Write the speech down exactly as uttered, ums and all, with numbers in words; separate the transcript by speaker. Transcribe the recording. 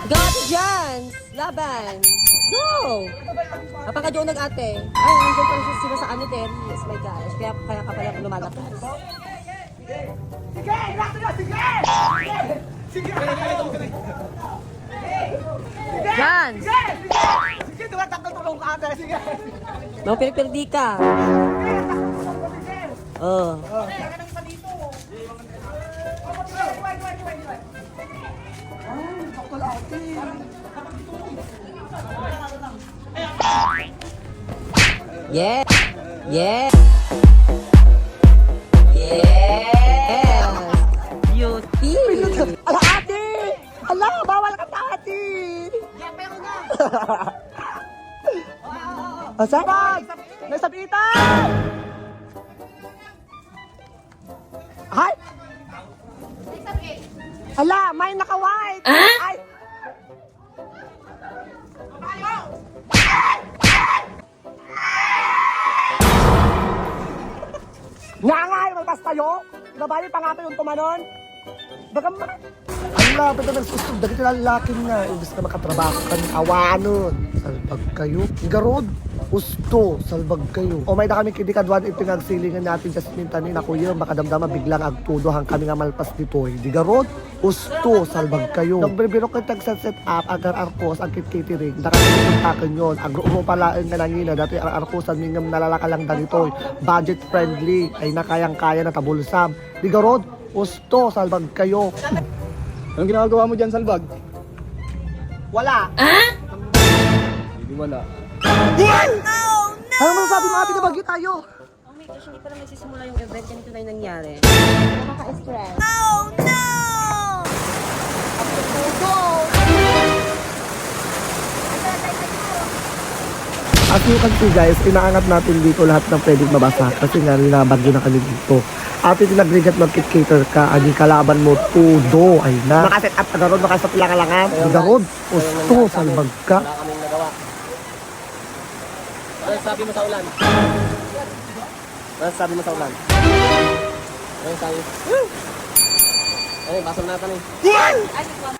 Speaker 1: Ate Jans! Laban! Go! Napaka-jow nag-ate. Ay, nandiyan pa siya sila sa ano, Terry. Yes, my gosh. Kaya, kaya ka pala lumalakas.
Speaker 2: Sige! Lakto na! Sige! Sige!
Speaker 1: Jans!
Speaker 2: Sige! Sige! Tumatakal tulong ka ate! Sige!
Speaker 1: No, piripirdi ka. Oh. Yeah. Yeah. Yes. Beauty.
Speaker 2: Ala ate! Ala! Bawal ka pa ate! Asa? May sabitan! Ay! Ala! May naka-white! Ay! Nga nga! Malpas tayo! Babae pa nga pa yung tumanon! Baga ma... Ang lapit na nagsusog, dahil ka lalaki nga. Ibig na makatrabaho ka ng awanon. Salbag kayo. Garod, usto, salbag kayo. O may na kami kinikadwan, ipinagsilingan natin sa sinintanin na kuya, makadamdama biglang agtudo hang kami nga malpas dito. Di garod, usto, salbag kayo. Nung binibiro ka sa set up, agar arkos, ang kit-catering, nakalimutan yun. Agro mo pala ang nanangina, dati ang arkosan, mingam nalalaka lang dito. Budget friendly, ay nakayang-kaya na tabulsam. Di garod, usto, salbag kayo.
Speaker 3: Anong ginagawa mo dyan, Salbag?
Speaker 2: Wala.
Speaker 3: Hindi wala.
Speaker 2: Ano masasabi mo ate na bagyo tayo?
Speaker 1: Oh my gosh, hindi pa lang nagsisimula yung event. Ganito na yung nangyari. Nakaka-stress. Oh no!
Speaker 2: As you can see guys, inaangat natin dito lahat ng pwedeng mabasa kasi nga nilabagyo na kami dito. Ate tinagrigat mag-cater ka, aging kalaban mo, tudo, ay na. Nakaset up ka na ron, nakasat lang kalangan. Hindi ron, usto, salbag ka.
Speaker 3: Wala kaming nagawa. Ano sabi mo sa ulan? Ano sabi mo sa ulan? Ano sabi? Ay, basol natin eh.